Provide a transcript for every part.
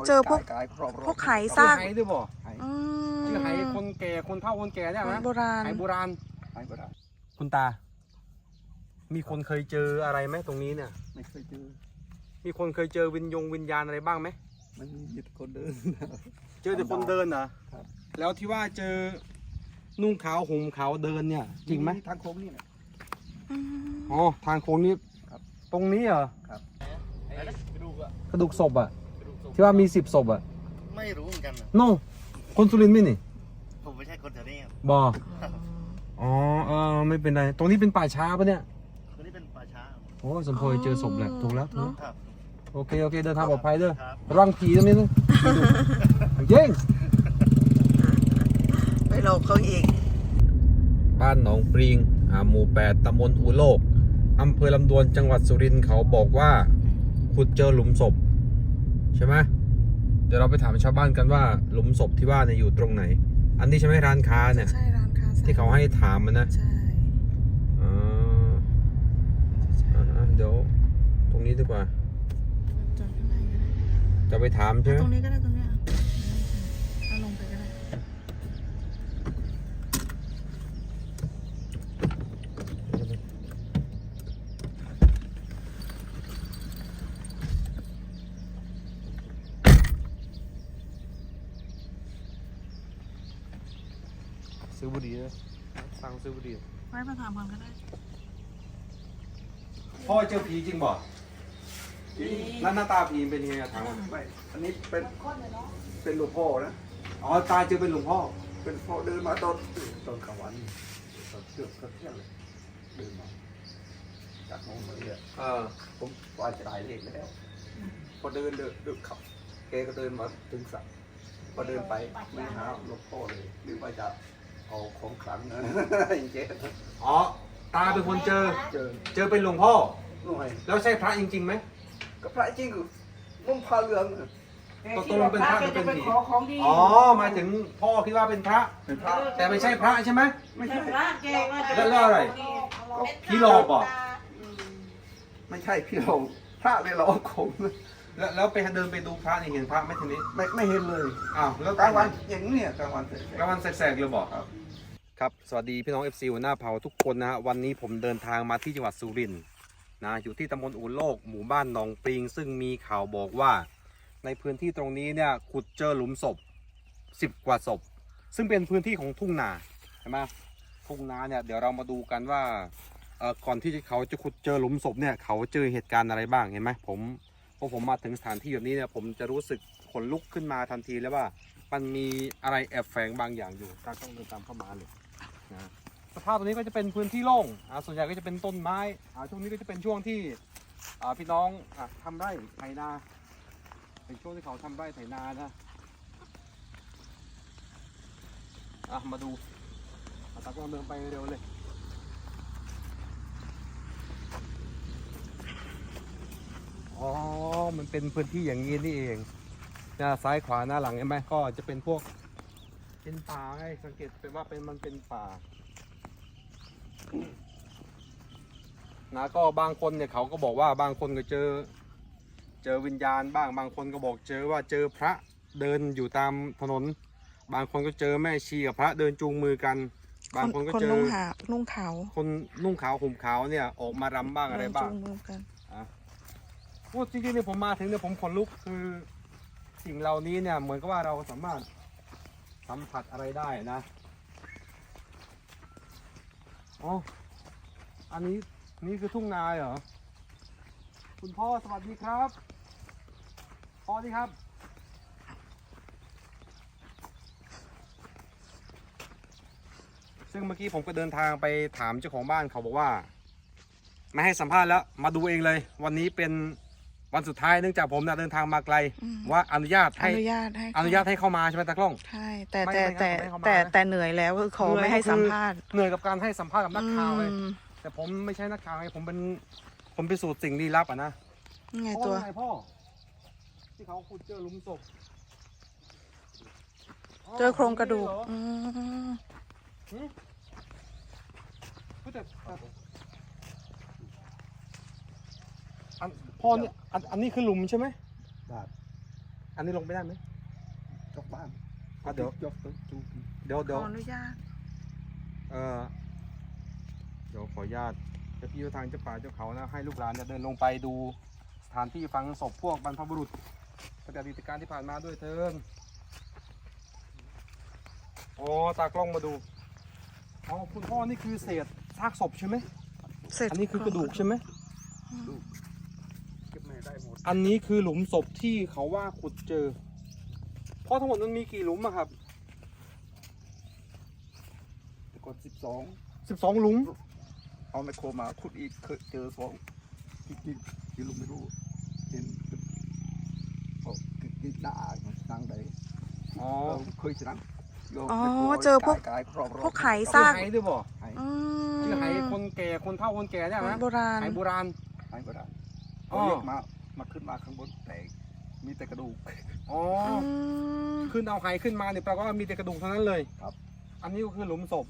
เจอพวกไหซากไหด้วยบ่ชื่อไหคนแก่คนเฒ่าคนแก่เนี่ยนะโบราณไหโบราณคุณตามีคนเคยเจออะไรไหมตรงนี้เนี่ยไม่เคยเจอมีคนเคยเจอวิญญาณอะไรบ้างไหมมันมีแต่คนเดินเจอแต่คนเดินเหรอแล้วที่ว่าเจอนุ่งขาวห่มขาวเดินเนี่ยจริงไหมทางโค้งนี่นะอ๋อทางโค้งนี้ตรงนี้เหรอครับกระดูกศพอ่ะที่ว่ามี10 ศพอ่ะไม่รู้เหมือนกันนะน้องคนสุรินทร์ไหมนี่ผมไม่ใช่คนแถวนี้ครับบออ๋อไม่เป็นไรตรงนี้เป็นป่าช้าปะเนี่ยตรงนี้เป็นป่าช้าโอ้สมพรเจอศพแหละถูกแล้วโอเคเดินทางปลอดภัยเด้อระวังผีตรงนี้นะเย้งไปหลอกเขาอีกบ้านหนองปริงหมู่ 8ตำบลอูโลกอำเภอลำดวนจังหวัดสุรินทร์เขาบอกว่าขุดเจอหลุมศพใช่ไหมเดี๋ยวเราไปถามชาวบ้านกันว่าหลุมศพที่ว่าเนี่ยอยู่ตรงไหนอันนี้ใช่ไหมร้านค้าเนี่ยใช่ร้านค้าที่เขาให้ถามมันนะใช่เดี๋ยวตรงนี้ดีกว่าจอดข้างในก็ได้จะไปถามใช่ไหมตรงนี้ก็ได้ตรงนี้เอาลงไปก็ได้ซื้อบุหรี่เลยสั่งซื้อบุหรี่ไว้มาถามก่อนก็ได้พ่อเจอผีจริงบ่หน้าตาผีเป็นยังไงถามว่าไม่อันนี้เป็นหลวงพ่อนะอ๋อตาเจอเป็นหลวงพ่อเป็นพ่อเดินมาตอนกลางวันตอนเที่ยงเลยเดินมาจากโน้นมาเนี่ยผมว่าจะได้เลขแล้วพอเดินขับแกก็เดินมาถึงสระพอเดินไปไม่หาหลวงพ่อเลยหรือว่าจะเอาของขลังนะอย่างเจ๊อ๋อตาเป็นคนเจอเป็นหลวงพ่อแล้วใช่พระจริงๆไหมก็พระจริงคือนุ่งผ้าเหลืองตกลงเป็นพระหรือเป็นผีอ๋อมาถึงพ่อคิดว่าเป็นพระแต่ไม่ใช่พระใช่ไหมไม่ใช่แล้วอะไรผีหลอกบ่ไม่ใช่พี่หลอกพระเลยหลอกผมแล้วไปเดินไปดูพระนี่เห็นพระไหมทีนี้ไม่เห็นเลยอ้าวแล้วกลางวันอย่างนี้กลางวันแสกเลยบอกครับสวัสดีพี่น้อง FC หัวหน้าเผ่าทุกคนนะฮะวันนี้ผมเดินทางมาที่จังหวัดสุรินทร์นะอยู่ที่ตำบลอู่โลกหมู่บ้านหนองปริงซึ่งมีข่าวบอกว่าในพื้นที่ตรงนี้เนี่ยขุดเจอหลุมศพ10 กว่าศพซึ่งเป็นพื้นที่ของทุ่งนาใช่ไหมทุ่งนาเนี่ยเดี๋ยวเรามาดูกันว่าก่อนที่เขาจะขุดเจอหลุมศพเนี่ยเขาเจอเหตุการณ์อะไรบ้างเห็นไหมพอผมมาถึงสถานที่แบบนี้เนี่ยผมจะรู้สึกขนลุกขึ้นมาทันทีแล้วว่ามันมีอะไรแอบแฝงบางอย่างอยู่ต้องเดินตามเข้ามาเลยนะสภาพตรงนี้ก็จะเป็นพื้นที่โล่งส่วนใหญ่ก็จะเป็นต้นไม้ช่วงนี้ก็จะเป็นช่วงที่พี่น้องทำไร่ไถนาเป็นช่วงที่เขาทำไร่ไถนานะมาดูตากล้องเดินไปเร็วเลยอ๋อมันเป็นพื้นที่อย่างนี้นี่เองหน้าซ้ายขวาหน้าหลังเห็นไหมก็จะเป็นพวกเป็นป่าไงสังเกตเป็นว่ามันเป็นป่านะก็บางคนเนี่ยเขาก็บอกว่าบางคนก็เจอวิญญาณบ้างบางคนก็บอกเจอพระเดินอยู่ตามถนนบางคนก็เจอแม่ชีกับพระเดินจูงมือกันบางคนก็เจอนุ่งขาวคนนุ่งขาวห่มขาวเนี่ยออกมารำบ้างอะไรบ้างพูดจริงๆเนี่ยผมมาถึงเนี่ยผมขนลุกคือสิ่งเหล่านี้เนี่ยเหมือนกับว่าเราสามารถสัมผัสอะไรได้นะอ๋ออันนี้คือทุ่งนาเหรอคุณพ่อสวัสดีครับพ่อดีครับซึ่งเมื่อกี้ผมก็เดินทางไปถามเจ้าของบ้านเขาบอกว่าไม่ให้สัมภาษณ์แล้วมาดูเองเลยวันนี้เป็นวันสุดท้ายเนื่องจากผมเดินทางมาไกลว่าอนุญาตให้เข้ามาใช่ไหมตากล้องใช่แต่เหนื่อยแล้วคือขอไม่ให้สัมภาษณ์เหนื่อยกับการให้สัมภาษณ์กับนักข่าวเลยแต่ผมไม่ใช่นักข่าวไงผมเป็นสูตรสิ่งลี้ลับนะไงตัวพ่อที่เขาขุดเจอหลุมศพเจอโครงกระดูกพ่อเนี่ยอันนี้คือหลุมใช่ไหมอันนี้ลงไปได้ไหมจกบ้านเดี๋ยวจกตัวจูเดี๋ยวขออนุญาตเดี๋ยวขออนุญาตเจ้าที่เจ้าทางเจ้าป่าเจ้าเขานะให้ลูกหลานเนี่ยเดินลงไปดูสถานที่ฝังศพพวกบรรพบุรุษตั้งแต่อดีตการที่ผ่านมาด้วยเถินอ๋อตากล้องมาดูอ๋อคุณพ่อนี่คือเศษซากศพใช่ไหมเสร็จอันนี้คือกระดูกใช่ไหมเก็บแม่ได้หมดอันนี้คือหลุมศพที่เขาว่าขุดเจอพ่อทั้งหมดมันมีกี่หลุมอะครับแต่ก่อน 12 หลุมเอาไมโครมาขุดอีกเคยเจอ2ที่ลุงไม่รู้เห็นกินด่านั่งได้อ๋อเคยชนะอ๋อเจอพวกไข่ซากชื่อไหด้วยบ่อืมชื่อไหคนแก่คนเฒ่าคนแก่เนี่ยนะโบราณไหโบราณไอ้ก็ได้อ๋อเรียกมาขึ้นมาข้างบนแต่มีแต่กระดูกอ๋ออืมขึ้นเอาไหขึ้นมาเนี่ยแปลว่ามีแต่กระดูกเท่านั้นเลยครับอันนี้ก็คือหลุมศพ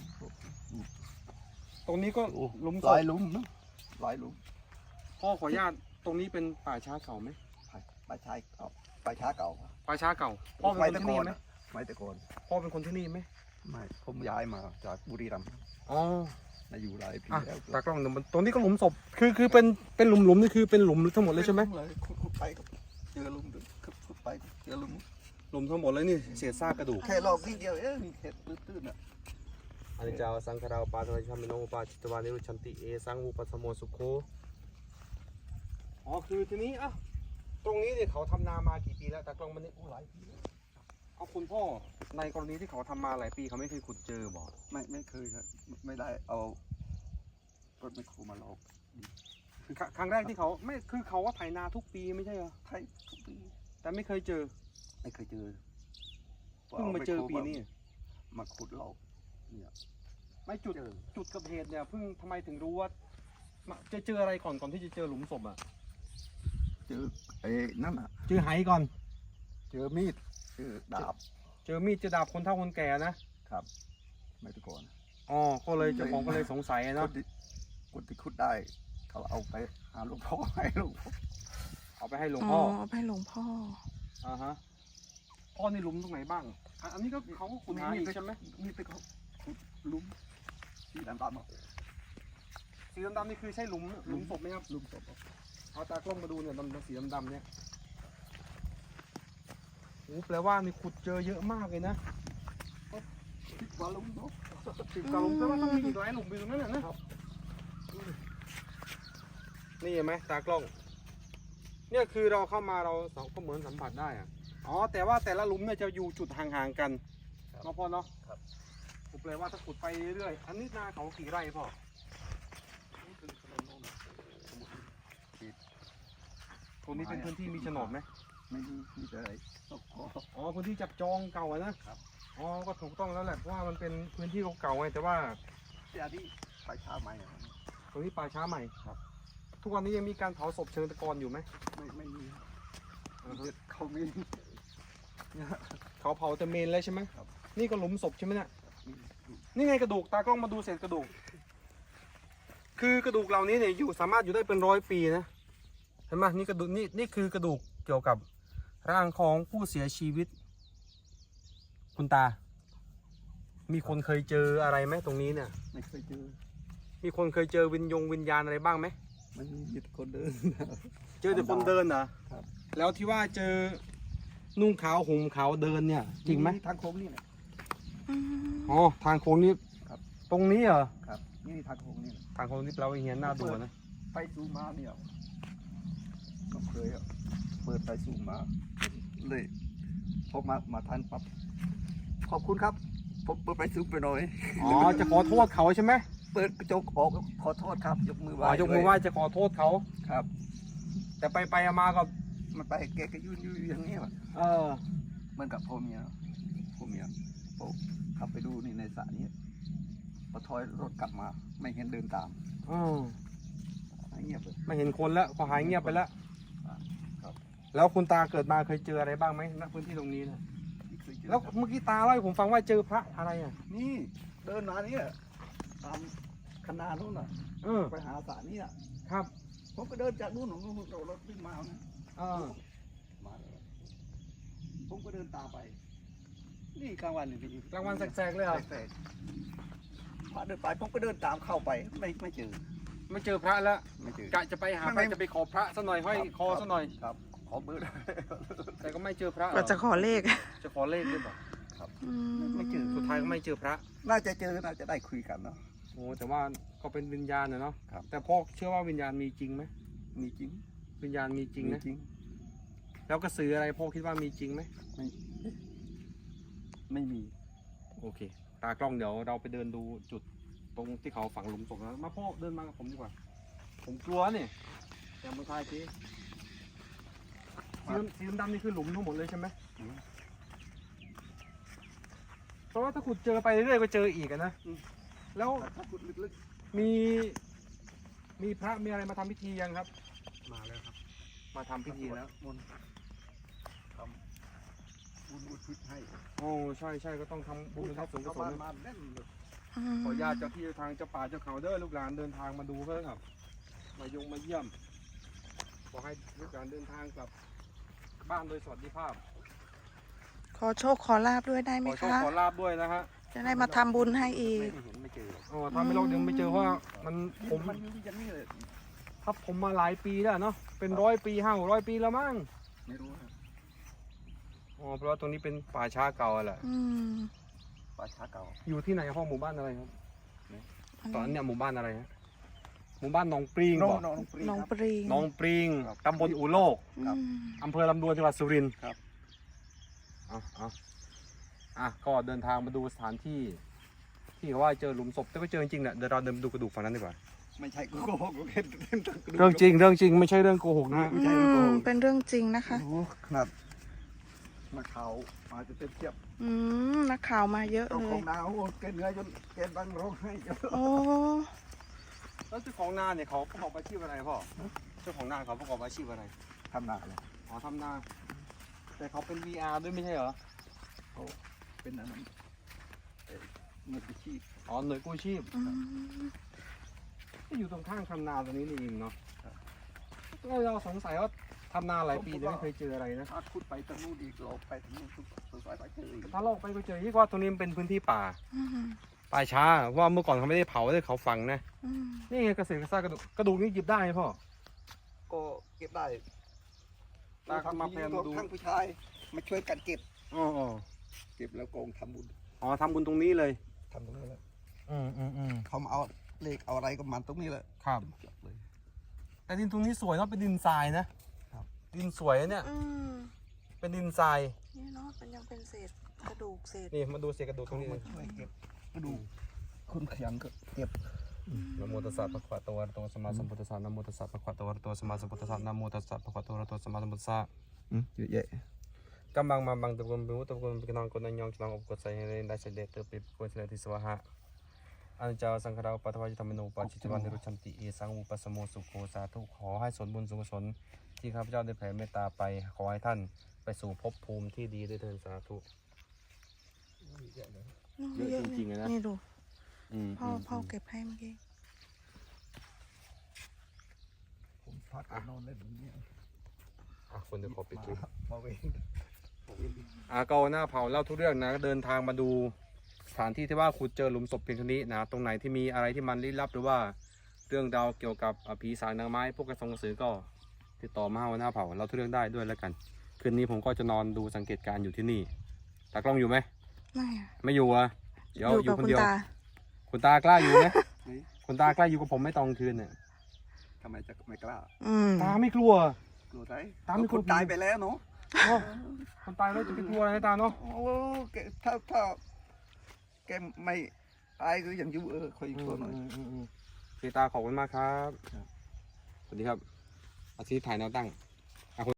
ตรงนี้ก็หลุมศหลาพยหลุมนะหลายหลุมพ่อขออนุญาตตรงนี้เป็นป่าช้าเก่าไหมป่าช้าเก่าป่าช้าเก่าป่าช้าเก่า พ่อเป็นคนที่นี่ไหมไม่แต่ก่อนพ่อเป็นคนที่นี่ไหมไม่ผมย้ายมาจากบุรีรัมย์อ๋อมาอยู่หลายปีอ่ะแล้วตากล้องตรงนี้ก็หลุมศพ คือเป็นหลุมนี่คือเป็นหลุมทั้งหมดเลยใช่ไหมขุดไปก็เจอหลุมขุดไปเจอหลุมหลุมทั้งหมดเลยนี่เศษซากกระดูกแค่รอบนิดเดียวเองเห็ดตื้นๆอ่ะอันนี้เจ้าสังฆราปาทวชามิโนปาจิตวานิรุชันติเอสังอุปสมโมสุโคอ๋อคือทีนี้อ่ะตรงนี้เนี่ยเขาทำนามากี่ปีแล้วตากล้องมันนี่หลายปีแล้วเอาคุณพ่อในกรณีที่เขาทำมาหลายปีเขาไม่เคยขุดเจอบ่ไม่เคยครับไม่ได้เอารถไมคโครมาลอกครั้งแรกที่เขาไม่คือเขาว่าไถนาทุกปีไม่ใช่เหรอไทยทุกปีแต่ไม่เคยเจอไม่เคยเจอเพิ่งมาเจอปีนี้มาขุดเราเนี่ยไม่จุดเจอจุดเกิดเหตุเนี่ยเพิ่งทำไมถึงรู้ว่าจะเจออะไรก่อนที่จะเจอหลุมศพอ่ะเจอไอ้นั่นอ่ะเจอไหก่อนเจอมีดเจอดาบเจอมีดเจอดาบคนเฒ่าคนแก่นะครับไม่แต่ก่อนอ๋อก็เลยเจ้าของก็เลยสงสัยคนะนที่ขุดได้ เขาเอาไปหาหลวงพ่อให้หลวงพ่อเอาไปให้หลวงอ๋อพ่อเอาไปให้หลวงพ่ออ่าฮะพ่อนี่หลุมตรงไหนบ้างอันนี้ก็เขาก็ขุดหาอีกใช่ไหมมีแต่เขาขุดหลุมที่ดำๆอ่ะสีดำๆนี่คือใช่หลุมศพไหมครับหลุมศพเอาตากล้องมาดูเนี่ยสีดำๆเนี่ยโอ้แปลว่านี่ขุดเจอเยอะมากเลยนะคิดว่าหลุมเนาะสิบกว่าหลุมแปลว่าต้องมีอีกหลายหลุมอยู่ตรงนั้นน่ะนะนี่เห็นไหมตากล้อง เนี่ยคือเราเข้ามาเราก็เหมือนสัมผัสได้อะอ๋อแต่ว่าแต่ละหลุมเนี่ยจะอยู่จุดห่างๆกันเนาะพ่อเนาะครับผมแปลว่าถ้าขุดไปเรื่อยๆอันนี้นาเขากี่ไร่พ่อนี่คือถนนโน่นสมุทรตรงนี้เป็นพื้นที่มีโฉนดไหมไม่มีแต่อะไรตกคออ๋อพื้นที่จับจองเก่าอะนะครับ อ๋อก็ถูกต้องแล้วแหละเพราะว่ามันเป็นพื้นที่เก่าๆไงแต่ว่าที่อันนี้ไปช้าใหม่อะตรงนี้ป่าช้าใหม่ครับทุกวันนี้ยังมีการเผาศพเชิงตะกอนอยู่ไหมไม่มีอ่าฮะเขามีเนี่ยเขาเผาแต่เมนเลยใช่ไหมครับนี่ก็หลุมศพใช่ไหมเนี่ยมีนี่ไงกระดูกตากล้องมาดูเศษกระดูก คือกระดูกเหล่านี้เนี่ยอยู่สามารถอยู่ได้เป็น100 ปีนะเห็นไหมนี่กระดูกนี่คือกระดูกเกี่ยวกับร่างของผู้เสียชีวิต คุณตา มีคนเคยเจออะไรไหมตรงนี้เนี่ยไม่เคยเจอมีคนเคยเจอวิญญาณอะไรบ้างไหมไม่มีแต่คนเดินเจอแต่คนเดินเหรอครับแล้วที่ว่าเจอนุ่งขาวห่มขาวเดินเนี่ย จริงไหมทางโค้งนี่แหละอ๋อทางโค้งนี้ครับตรงนี้เหรอครับนี่ทางโค้งนี่แหละทางโค้งนี้แปลว่าเฮียนหน้าดูนะไปซูมมาเนี่ยก็เคยอะเปิดไปซูมมาเลยพอมาทันปั๊บขอบคุณครับผมเปิดไปซูมไปหน่อยอ๋อจะขอโทษเขาใช่ไหมเปิดกระจกออกขอโทษครับ ยกมือไหอ๋ว้อยกมือไหว้จะขอโทษเขาครับแต่ไปมาก็มันไปแกก็ยืนอยู่อย่างนี้ว่ะเออเหมือนกับพ่อเมียผมขับไปดูนี่ในสระนี้พอถอยรถกลับมา ไม่เห็นเดินตามอืมเงียบเลยไม่เห็นคนแล้วพอหายเงียบไปแล้วครับแล้วคุณตาเกิดมาเคยเจออะไรบ้างไหมณพื้นที่ตรงนี้นะไม่เคยเจอแล้วเมื่อกี้ตาเล่าให้ผมฟังว่าเจอพระอะไรอ่ะนี่เดินมาเนี่ยตามคณะนู้นน่ะเออไปหาสระนี่น่ะครับผมก็เดินจากนู้นของรถวิ่งมานะเออมาเลยก็เดินตามไปนี่กลางวันนี่พี่กลางวันแสกๆเลยเหรอแสกๆพระเดินไปผมก็เดินตามเข้าไปไม่เจอไม่เจอพระแล้วไม่เจอกะจะไปหาไม่พระจะไปขอพระซะหน่อยห้อยคอซะหน่อยครับขอเบอร์แต่ก็ไม่เจอพระก็จะขอเลขจะขอเลขด้วยเปล่าอืมไม่เจอสุดท้ายก็ไม่เจอพระน่าจะเจอน่าจะได้คุยกันเนาะโอ้แต่ว่าก็เป็นวิญญาณนะเนาะครับแต่พ่อเชื่อว่าวิญญาณมีจริงไหมมีจริงวิญญาณมีจริงมีนะจริงแล้วกระสืออะไรพ่อคิดว่ามีจริงไหมไม่มีโอเค ตากล้องเดี๋ยวเราไปเดินดูจุดตรงที่เขาฝังหลุมศพนะมาพ่อเดินมากับผมดีกว่า ผมกลัวเนี่ยแต่ไม่ใช่ทีสีดำๆนี่คือหลุมทั้งหมดเลยใช่ไหมเพราะว่าถ้าขุดเจอไปเรื่อยๆก็เจออีกอะนะแล้วถ้าขุดลึกมีพระมีอะไรมาทำพิธียังครับๆมาแล้วครับมาทำพิธีแล้วมนต์ทำบุญอุทิศให้โอ้ใช่ใช่ก็ต้องทำบุญอุทิศส่วนกุศลมาแน่นเลยขออนุญาตเจ้าที่เจ้าทางเจ้าป่าเจ้าเขาเด้อลูกหลานเดินทางมาดูเพื่อครับมาเยี่ยมขอให้ลูกหลานเดินทางกลับบ้านโดยสวัสดิภาพขอโชคขอลาบด้วยได้ไหขมอโชคคะขอลาบด้วยนะฮะจะได้มาทำบุญให้อีกไม่เห็นไม่เจออ๋อถ้าไม่เราเดินไม่เจอเพราะว่าผมมันอยู่อย่างนี้เลยถ้าผมมาหลายปีแล้วเนาะเป็น100 ปี500 ปีแล้วมั้งไม่รู้ครับอ๋อเพราะว่าตรงนี้เป็นป่าช้าเก่าแหละอืมป่าช้าเก่าอยู่ที่ไหนห้องหมู่บ้านอะไรครับอันตอนนี้เนี้ยหมู่บ้านอะไรฮะหมู่บ้านหนองปริงน้องบอกน้องปรีน้องครับปรีงหนองปริงครับตำบลอู่โลกครับอืมอำเภอลำดวนจังหวัดสุรินทร์ครับเอาก็เดินทางมาดูสถานที่ที่เขาว่าเจอหลุมศพแต่ก็เจอจริงๆแหละเดี๋ยวเราเดินไปดูกระดูกฝั่งนั้นดีกว่าไม่ใช่โกหกเห็นเรื่องจริงไม่ใช่เรื่องโกหกนะฮะไม่ใช่โกหกเป็นเรื่องจริงนะคะโอ้ขนาดนักข่าวมาจะเป็นเทียบอืมนักข่าวมาเยอะเจ้าเลขอย งนาโอ้เกินเนื้อจนแกดังร้องไห้จนโอ้แล้วเจ้าของนาเนี่ยเขาประกอบอาชีพอะไรพ่อเจ้าของนาเขาประกอบอาชีพอะไรทำนาเลยอ๋อทำนาแต่เขาเป็น VR ด้วยไม่ใช่เหรอเขาเป็นอันนั้นมืออาชีพอ๋อหน่วยกู้ชีพอืมก็อยู่ตรงข้างทำนาตรงนี้นี่เองเนาะเราสงสัยว่าทำนาหลายปีแต่ไม่เคยเจออะไรนะถ้าขุดไปทางนู้นอีกเราไปทางนู้นสงสัยไปเจออีกถ้าเราไปก็เจอที่ว่าตรงนี้มันเป็นพื้นที่ป่าอืมป่าช้าว่าเมื่อก่อนเขาไม่ได้เผาเลยเขาฝังนะอืมนี่ไงเกษตรกระซ่ากระดูกนี่หยิบได้ไหมพ่อก็เก็บได้ตามาแพนมาดูทั้งผู้ชายมาช่วยกันเก็บอ๋อเก็บแล้วโกงทำบุญอ๋อทำบุญตรงนี้เลยทำตรงนี้แหละอืมเขามาเอาเลขเอาอะไรก็มันตรงนี้แหละครับจบเลยแต่ดินตรงนี้สวยเนาะเป็นดินทรายนะครับ ดินสวยนะเนี่ยอืมเป็นดินทรายนี่เนาะมันยังเป็นเศษกระดูกเศษนี่มาดูเศษกระดูกตรงนี้มาเลยช่วยเก็บกระดูกคนขยันก็เก็บนะโมตัสสะภะคะวะโตอะระหะโตสัมมาสัมพุทธัสสะนะโมตัสสะภะคะวะโตอะระหะโตสัมมาสัมพุทธัสสะนะโมตัสสะภะคะวะโตอะระหะโตสัมมาสัมพุทธัสสะเยอะแยะกำบังมาบังตะกุนบิวตะกุนปิกนองกนยองฉลองอบกดใส่ให้ได้เสด็จเติบปิบกวนเสด็จที่สวะหะอันเจ้าสังฆราปัทวาจิตามโนปัจจิตวันนิรุชันติเอสังอุปสมโมสุโขสาธุขอให้ส่วนบุญส่วนกุศลที่ข้าพเจ้าได้แผ่เมตตาไปขอให้ท่านไปสู่ภพภูมิที่ดีด้วยเถิดสาธุ เยอะจริงๆเลยนะนี่ดูอืมพ่อเก็บให้เมื่อกี้ผมพักนอนเล่นแบบนี้คนเดี๋ยวขอปิดคลิปมาเวงก็หน้าเผาเล่าทุกเรื่องนะเดินทางมาดูสถานที่ที่ว่าขุดเจอหลุมศพเพียงเท่านี้นะตรงไหนที่มีอะไรที่มันลี้ลับหรือว่าเรื่องราวเกี่ยวกับผีสางนางไม้พวกกระสงกระสือก็ติดต่อมาหน้าเผาเล่าทุกเรื่องได้ด้วยแล้วกันคืนนี้ผมก็จะนอนดูสังเกตการณ์อยู่ที่นี่ตากล้องอยู่ไหมไม่อะไม่อยู่อ่ะเดี๋ยวอยู่อกับยู่คนคุณเดียวตาคุณตากล้าอยู่ไหมคุณตากล้าอยู่กับผมไม่ตอนคืนเนี่ยทำไมจะไม่กล้าอืมตาไม่กลัวกลัวไรตามไม่กลัวคนตายไปแล้วเนาะโอ้คนตายแล้วจะไปกลัวอะไรให้ตาเนาะโอ้แกถ้าแกไม่ตายก็ยังอยู่คอยกลัวหน่อยโอเคตาขอบคุณมากครับ สวัสดีครับอาทิตย์ถ่ายแนวตั้ง